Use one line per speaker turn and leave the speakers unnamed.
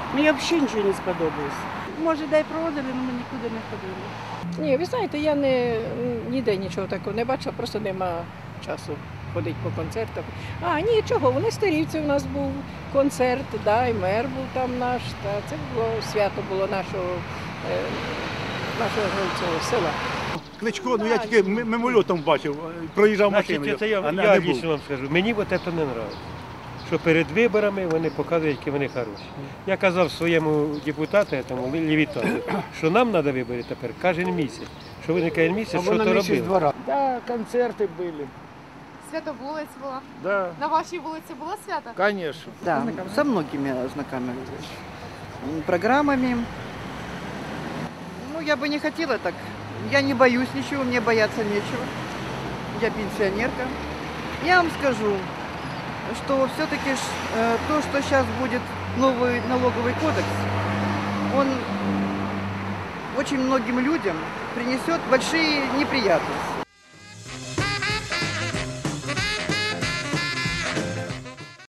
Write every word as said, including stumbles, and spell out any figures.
Мені взагалі нічого не сподобалось. Може, дай проводили, але ми нікуди не ходили.
Ні, ви знаєте, я не, ніде нічого такого не бачила, просто нема часу ходити по концертах. А, нічого, у Нестерівці у нас був концерт, да, і мер був там наш, та це було свято було нашого, е, нашого цього села.
Кличко, ну я тільки м- мимольотом бачив, проїжджав машиною.
Значить, це я,
а не-
я
не був.
лично вам скажу, мені от це не подобається. Що перед виборами вони показують, які вони хороші. Я казав своєму депутату, тому Левітану, що нам треба вибори тепер кожен місяць. Що вони кожен місяць, що то робили.
Да, концерты были.
Свято вулиць була.
Да,
На вашій вулиці було свято?
конечно.
Да, со многими ознакомились. М, Программами. Ну, я бы не хотела так. Я не боюсь ничего, мне бояться нечего. Я пенсионерка. Я вам скажу, что все-таки то, что сейчас будет новый налоговый кодекс, он очень многим людям принесет большие неприятности.